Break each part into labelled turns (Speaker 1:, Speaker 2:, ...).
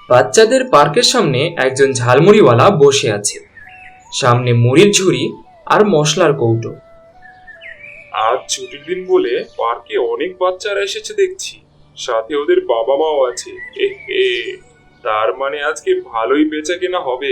Speaker 1: বাচ্চাদের পার্কের সামনে একজন ঝালমুড়িওয়ালা বসে আছে। সামনে মুড়ির ঝুড়ি আর মশলার কৌটো।
Speaker 2: আজ ছুটির দিন বলে পার্কে অনেক বাচ্চারা এসেছে দেখছি, সাথে ওদের বাবা মাও আছে। এ তার মানে আজকে ভালোই বেচা কেনা হবে।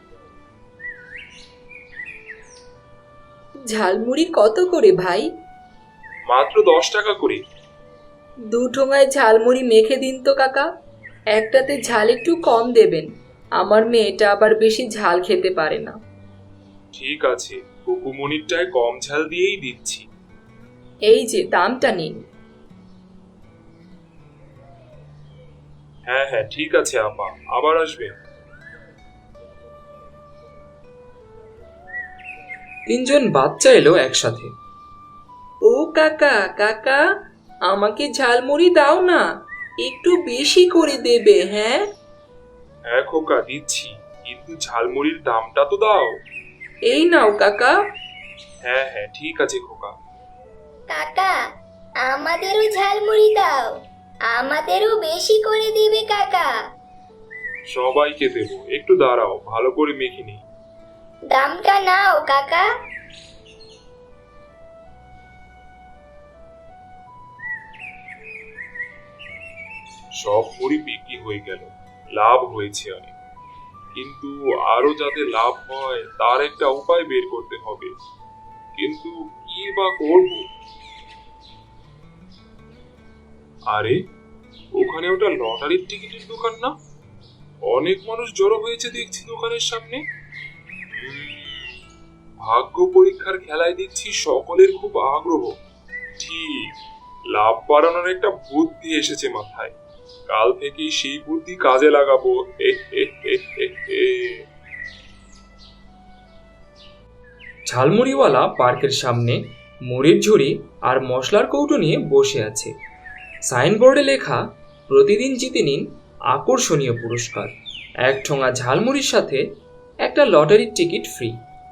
Speaker 3: ঝালমুড়ি কত করে ভাই?
Speaker 2: মাত্র 10 টাকা করে।
Speaker 3: 2 ঠোঙায় ঝালমুড়ি মেখে দিন তো কাকা। একটাতে ঝাল একটু কম দেবেন, আমার মেয়েটা আবার বেশি ঝাল খেতে পারে না।
Speaker 2: ঠিক আছে, কুকুমনিরটায় কম ঝাল দিয়েই দিচ্ছি।
Speaker 3: এই যে দামটা নিন।
Speaker 2: হ্যাঁ হ্যাঁ ঠিক আছে আপা, আবার আসবেন।
Speaker 1: তিনজন বাচ্চা এলো একসাথে।
Speaker 3: ও কাকা কাকা, আমাকে ঝালমুড়ি দাও না, একটু বেশি করে দেবে। হ্যাঁ
Speaker 2: হ্যাঁ খোকা দিচ্ছি, কিন্তু ঝালমুড়ির দামটা তো দাও।
Speaker 3: এই নাও কাকা।
Speaker 2: হ্যাঁ হ্যাঁ ঠিক আছে খোকা।
Speaker 4: কাকা, আমাদেরও ঝালমুড়ি দাও, আমাদেরও বেশি করে দিবে কাকা।
Speaker 2: সবাইকে দেবো, একটু দাঁড়াও, ভালো করে মেখে নিই।
Speaker 4: দামটা নাও কাকা।
Speaker 2: সব মুড়ি বিক্রি হয়ে গেল, লাভ হয়েছে অনেক, কিন্তু আরো যাতে লাভ হয় তার একটা উপায় বের করতে হবে। কিন্তু কি বা করব? আরে ওখানে ওটা লটারির টিকিটের দোকান না? অনেক মানুষ জড়ো হয়েছে দেখছি দোকানের সামনে। ভাগ্য পরীক্ষার খেলায় দেখছি সকলের খুব আগ্রহ। ঠিক, লাভ বাড়ানোর একটা বুদ্ধি এসেছে মাথায়, কাল থেকেই সেই বুদ্ধি কাজে লাগাবো।
Speaker 1: ঝালমুড়িওয়ালা পার্কের সামনে মুড়ির ঝুড়ি আর মশলার কৌটো নিয়ে বসে আছে। সাইনবোর্ডে লেখা, প্রতিদিন জিতে নিন আকর্ষণীয় পুরস্কার, 1 ঠোঙা ঝালমুড়ির সাথে একটা লটারির টিকিট ফ্রি।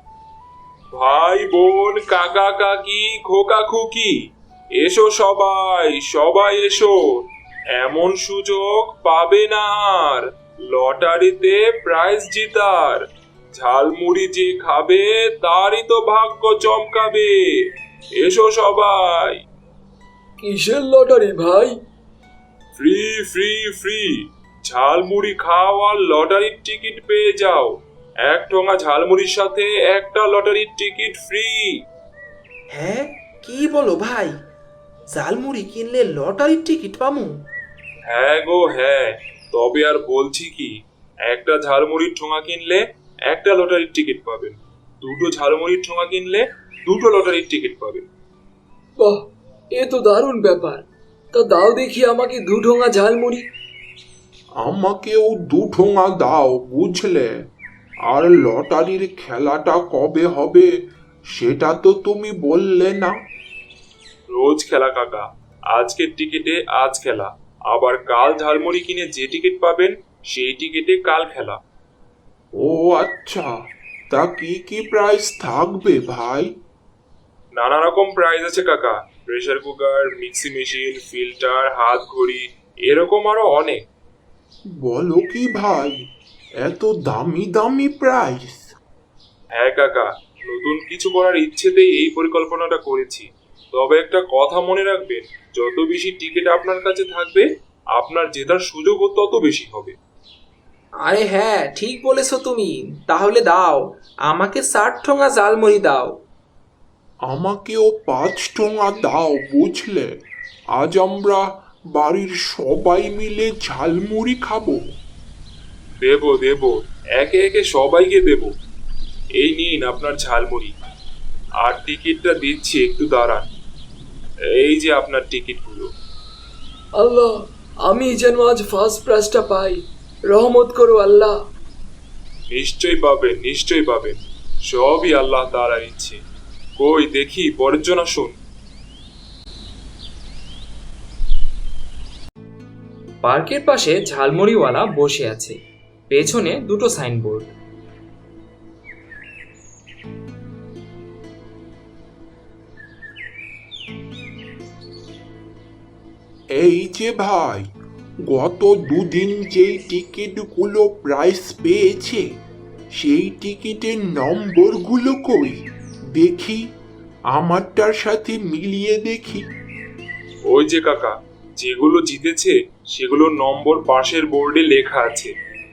Speaker 2: ভাই বোন কাকা কাকি খোকা খুকি, এসো সবাই, সবাই এসো, এমন সুযোগ পাবে না আর। লটারিতে প্রাইজ জিতার, ঝালমুড়ি যে খাবে তারই তো ভাগ্য চমকাবে। এসো সবাই।
Speaker 1: কিসের লটারি ভাই?
Speaker 2: ফ্রি ফ্রি ফ্রি, ঝালমুড়ি খাও আর লটারির টিকিট পেয়ে যাও। 1 ঠোঙা ঝালমুড়ির সাথে একটা লটারির টিকিট ফ্রি।
Speaker 5: হ্যাঁ, কি বলো ভাই? ঝালমুড়ি কিনলে লটারির টিকিট পামু?
Speaker 2: হ্যাঁ গো হ্যাঁ, তবে আর বলছি কি, একটা ঝালমুড়ির ঠোঙা কিনলে একটা লটারির টিকিট পাবেন, দুটো ঝালমুড়ির ঠোঙা কিনলে দুটো লটারির টিকিট পাবেন।
Speaker 1: বাহ, এ তো দারুণ ব্যাপার। তা দাও দেখি আমাকে 2 ঠোঙা ঝালমুড়ি।
Speaker 6: আমাকেও 2 ঠোঙা দাও বুঝলে। আর লটারির খেলাটা কবে হবে সেটা তো তুমি বললে না।
Speaker 2: রোজ খেলা কাকা, আজকের টিকিটে আজ খেলা, আবার কাল ঝালমুড়ি কিনে যে টিকিট পাবেন সেই টিকিটে কাল খেলা।
Speaker 6: ও আচ্ছা, তা কি কি প্রাইস থাকবে ভাই?
Speaker 2: নানা রকম প্রাইজ আছে কাকা, pressure cooker, mixie machine, filter, হাত ঘড়ি, এরকম আরো অনেক।
Speaker 6: বলো কি ভাই, এত দামি দামি প্রাইস?
Speaker 2: হ্যাঁ কাকা, নতুন কিছু করার ইচ্ছেতেই এই পরিকল্পনাটা করেছি। তবে একটা কথা মনে রাখবেন, যত বেশি টিকিট আপনার কাছে থাকবে আপনার জেতার সুযোগও তত বেশি হবে।
Speaker 5: আরে হ্যাঁ, ঠিক বলেছো তুমি। তাহলে দাও, আমাকে 60 ঠোঙা ঝালমুড়ি দাও।
Speaker 6: আমাকেও 5 ঠোঙা দাও বুঝলে। আজ আমরা বাড়ির সবাই মিলে ঝালমুড়ি খাবো।
Speaker 2: দেবো দেবো, একে একে সবাইকে দেবো। এই নিন আপনার ঝালমুড়ি, আর টিকিটটা দিচ্ছি, একটু দাঁড়ান। এই যে আপনার টিকিটগুলো।
Speaker 1: আল্লাহ, আমি যেন আজ ফার্স্ট প্রাইজটা পাই, রহমত করো আল্লাহ।
Speaker 2: নিশ্চয়ই পাবেন, নিশ্চয়ই পাবেন, সবই আল্লাহ তাআলার ইচ্ছে। কই দেখি পরের জন আসুন।
Speaker 1: পার্কের পাশে ঝালমুড়িওয়ালা বসে আছে, পেছনে 2টো সাইনবোর্ড।
Speaker 6: এই যে ভাই, গত দুদিন যেই টিকিটগুলো প্রাইস পেয়েছে সেই টিকিটের নম্বরগুলো কই দেখি, আমারটার সাথে মিলিয়ে দেখি।
Speaker 2: ওই যে কাকা, যেগুলো জিতেছে সেগুলোর নম্বর পাশের বোর্ডে লেখা আছে।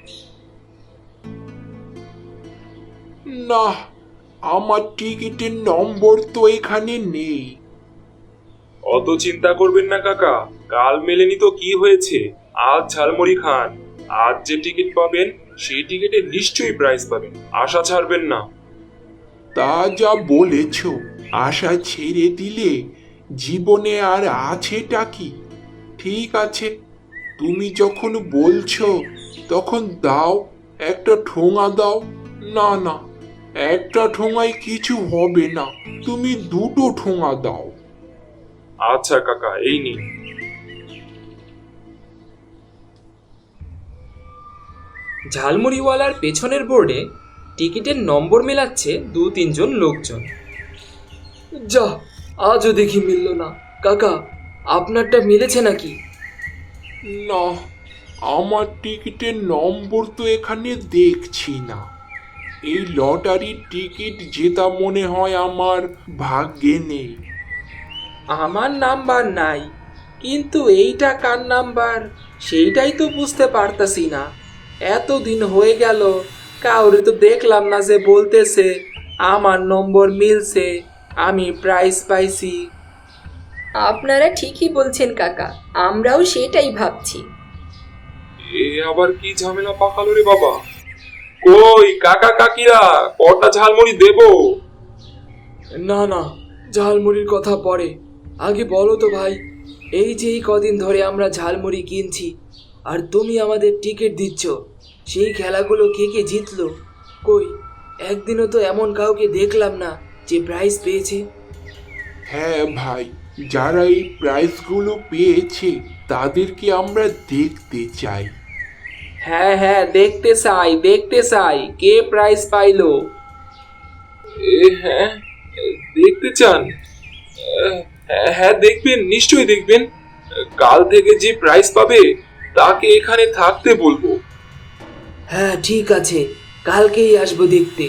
Speaker 6: না, আমার টিকিটের নম্বর তো এখানে নেই।
Speaker 2: অত চিন্তা করবেন না কাকা, কাল মেলেনি তো কি হয়েছে, আজ ঝালমুড়ি খান। আজ যে টিকিট পাবেন সেই টিকিটে নিশ্চয়ই প্রাইজ পাবেন, আশা ছাড়বেন না।
Speaker 6: তা যা বলেছ, আশা ছেড়ে দিলে জীবনে আর আছেটা কি? ঠিক আছে, তুমি যখন বলছো তখন দাও, একটা ঠোঙা দাও। না না, একটা ঠোঙায় কিছু হবে না, তুমি দুটো ঠোঙা দাও।
Speaker 2: আচ্ছা কাকা, এই নিন।
Speaker 1: ঝালমুড়িওয়ালার পেছনের বোর্ডে টিকিটের নম্বর মেলাচ্ছে 2-3 জন লোকজন। যা, আজও দেখি মিলল না। কাকা, আপনারটা মিলেছে নাকি?
Speaker 6: না, আমার টিকিটের নম্বর তো এখানে দেখছি না। এই লটারির টিকিট জেতা মনে হয় আমার ভাগ্যে নেই।
Speaker 5: আমার নাম্বার নাই, কিন্তু এইটা কার নাম্বার সেইটাই তো বুঝতে পারতাছি না। এতদিন হয়ে গেল, কাউরে তো দেখলাম না যে বলতেছে আমার নম্বর মিলছে, আমি প্রাইজ পাইছি।
Speaker 3: আপনারা ঠিকই বলছেন কাকা, আমরাও সেটাই ভাবছি।
Speaker 2: এ আবার কি ঝামেলা পাকালো রে বাবা। কই কাকা কাকিরা, কটা ঝালমুড়ি দেবো?
Speaker 1: না না, ঝালমুড়ির কথা পরে, আগে বলো তো ভাই, এই যে এই কদিন ধরে আমরা ঝালমুড়ি কিনছি আর তুমি আমাদের টিকিট দিচ্ছ, সেই খেলাগুলো কে কে জিতলো? কই, একদিনও তো এমন কাউকে দেখলাম না যে প্রাইজ পেয়েছে।
Speaker 6: হ্যাঁ ভাই, যারা এই প্রাইজগুলো পেয়েছে তাদেরকে আমরা দেখতে চাই।
Speaker 5: হ্যাঁ হ্যাঁ, দেখতে চাই কে প্রাইজ পাইলো।
Speaker 2: হ্যাঁ, দেখতে চান? হ্যাঁ দেখবেন, নিশ্চয়ই দেখবেন। কাল থেকে যে প্রাইজ পাবে তাকে এখানে থাকতে বলবো।
Speaker 1: হ্যাঁ ঠিক আছে, কালকেই আসবো দেখতে।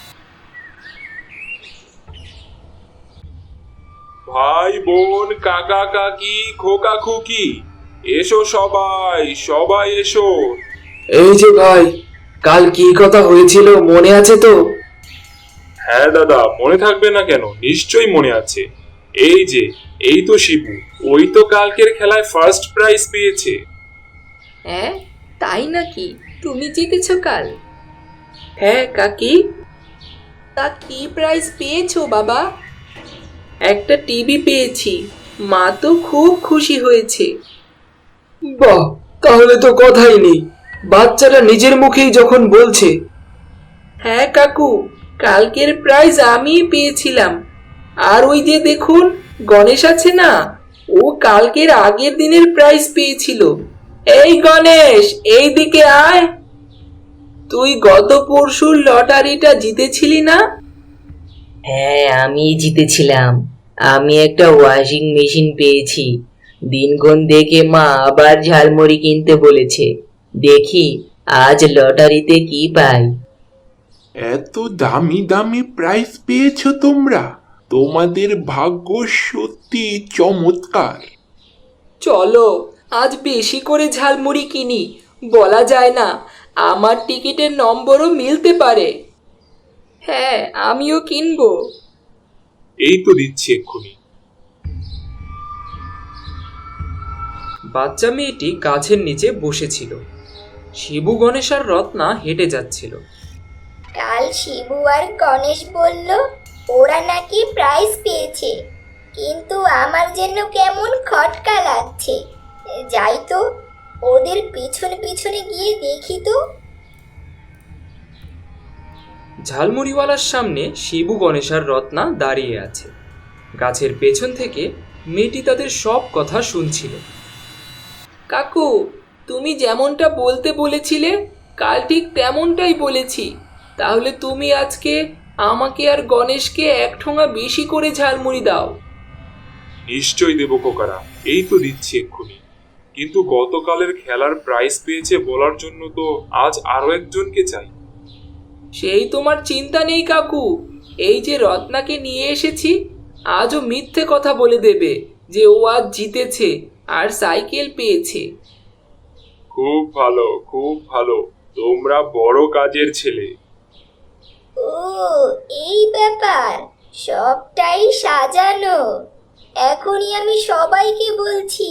Speaker 2: ভাই বোন, কাকা কাকি, খোকা খুকি, এসো সবাই, সবাই এসো।
Speaker 1: এই যে ভাই, কাল কি কথা হয়েছিল মনে আছে তো?
Speaker 2: হ্যাঁ দাদা, মনে থাকবে না কেন, নিশ্চয়ই মনে আছে। এই যে, এই তো শিবু, ওই তো কালকের খেলায় ফার্স্ট প্রাইজ পেয়েছে।
Speaker 3: হ্যাঁ, তাই নাকি? তুমি জিতেছো কাল?
Speaker 5: হ্যাঁ কাকি।
Speaker 3: তা কি প্রাইজ পেয়েছো বাবা?
Speaker 5: একটা টিভি পেয়েছি, মা তো খুব খুশি হয়েছে।
Speaker 1: বাহ, তাহলে তো কথাই নেই, বাচ্চাটা নিজের মুখেই যখন বলছে।
Speaker 5: হ্যাঁ কাকু, কালকের প্রাইজ আমিই পেয়েছিলাম। আর ওই যে দেখুন, গণেশ আছে না, ও কালকের আগের দিনের প্রাইজ পেয়েছিল। এই গণেশ, এই দিকে আয়। তুই গত পরশুর লটারিটা জিতেছিলি না?
Speaker 7: হ্যাঁ, আমি জিতেছিলাম। আমি একটা ওয়াশিং মেশিন পেয়েছি। দিনক্ষণ দেখে মা আবার ঝালমুড়ি কিনতে বলেছে। দেখি আজ লটারিতে কি পাই।
Speaker 6: এত দামি দামি প্রাইজ পেয়েছো তোমরা, তোমাদের ভাগ্য সত্যি চমৎকার।
Speaker 5: চলো আজ বেশি করে ঝালমুড়ি কিনি, বলা যায় না, আমার টিকিটের নম্বরও মিলতে পারে।
Speaker 3: হ্যাঁ, আমিও কিনবো।
Speaker 2: এই তো দিচ্ছি এক্ষুনি।
Speaker 1: বাচ্চা মেয়েটি গাছের নিচে বসেছিল। শিবু, গণেশ আর রত্না হেঁটে যাচ্ছিল।
Speaker 4: কাল শিবু আর গণেশ বলল ওরা নাকি প্রাইজ পেয়েছে, কিন্তু আমার যেন কেমন খটকা লাগছে। যাই তো, ওদের পিছনে পিছনে গিয়ে দেখি তো।
Speaker 1: ঝালমুড়িওয়ালার সামনে শিবু, গণেশ আর রত্না দাঁড়িয়ে আছে। গাছের পেছন থেকে মেয়েটি তাদের সব কথা শুনছিল।
Speaker 5: কাকু, তুমি যেমনটা বলতে বলেছিলে কাল ঠিক তেমনটাই বলেছি। তাহলে তুমি আজকে আমাকে আর গণেশকে এক ঠোঙা বেশি করে ঝালমুড়ি দাও।
Speaker 2: নিশ্চয়ই দেবো খোকারা, এই তো দিচ্ছি এক্ষুনি। কিন্তু গতকালের খেলার প্রাইজ পেয়েছে বলার জন্য তো আজ আরো একজনকে চাই।
Speaker 5: সেই তোমার চিন্তা নেই কাকু, এই যে রত্নাকে নিয়ে এসেছি, আজও মিথ্যে কথা বলে দেবে যে ও আজ জিতেছে আর সাইকেল পেয়েছে।
Speaker 2: খুব ভালো, খুব ভালো, তোমরা বড় কাজের ছেলে।
Speaker 4: ও এই ব্যাপার, সবটাই সাজানো। এখনই আমি সবাইকে বলছি।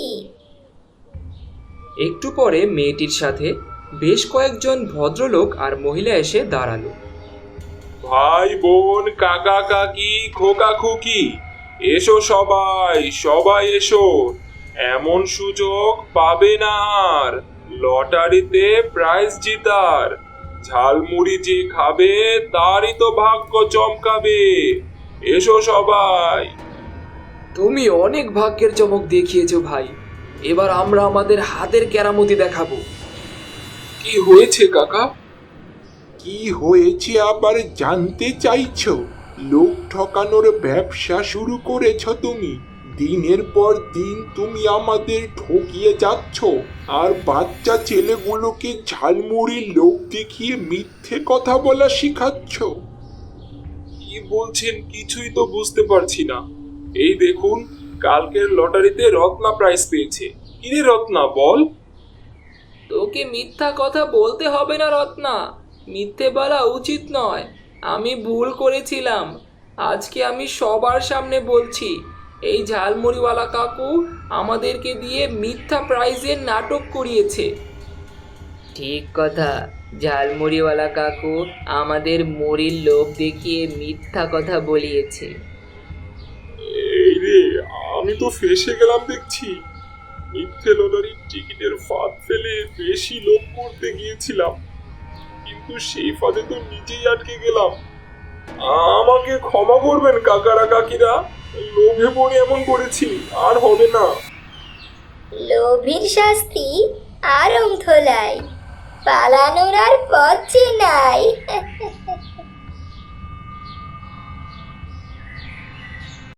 Speaker 1: একটু পরে মেয়েটির সাথে বেশ কয়েকজন ভদ্রলোক আর মহিলা এসে দাঁড়ালো।
Speaker 2: ভাই বোন কাকা কাকি খোকা খুকি, এসো সবাই, সবাই এসো। এমন সুযোগ পাবে না আর লটারিতে প্রাইজ জিতার। ঝালমুড়ি যে খাবে তারই তো ভাগ্য চমকাবে। এসো সবাই।
Speaker 5: তুমি অনেক ভাগ্যের চমক দেখিয়েছো ভাই, এবার আমরা আমাদের হাতের কেরামতি দেখাবো।
Speaker 2: কি হয়েছে কাকা?
Speaker 6: কি হয়েছে আবার জানতে চাইছো? লোক ঠকানোর ব্যবসা শুরু করেছো তুমি। দিনের পর দিন তুমি আমাদের ঠকিয়ে যাচ্ছ আর বাচ্চা ছেলেগুলোকে ঝালমুড়ির লোক দেখিয়ে মিথ্যে কথা বলা শিখাচ্ছ।
Speaker 2: কি বলছেন কিছুই তো বুঝতে পারছি না। এই দেখুন, কালকের লটারিতে রত্না প্রাইজ পেয়েছে। কিরে রত্না, বল।
Speaker 5: তোকে মিথ্যা কথা বলতে হবে না রত্না, মিথ্যে বলা উচিত নয়। আমি ভুল করেছিলাম, আজকে আমি সবার সামনে বলছি, এই ঝালমুড়িওয়ালা কাকু আমাদেরকে দিয়ে মিথ্যা প্রাইজের নাটক করিয়েছে।
Speaker 7: ঠিক কথা, ঝালমুড়িওয়ালা কাকু আমাদের মুড়ির লোভ দেখিয়ে মিথ্যা কথা বলিয়েছে।
Speaker 2: এই রে, আমি তো ফেঁসে গেলাম দেখছি। মিথ্যে লটারির টিকিটের ফাঁদ ফেলে বেশি লোভ করতে গিয়েছিলাম, কিন্তু সেই ফাঁদে তো নিজেই আটকে গেলাম। আমাকে ক্ষমা করবেন কাকারা কাকিরা, লোভে পড়ে এমন করেছি, আর হবে না।
Speaker 4: লোভীর শাস্তি আরম ধোলাই, পালানোর আর পথ যে নাই।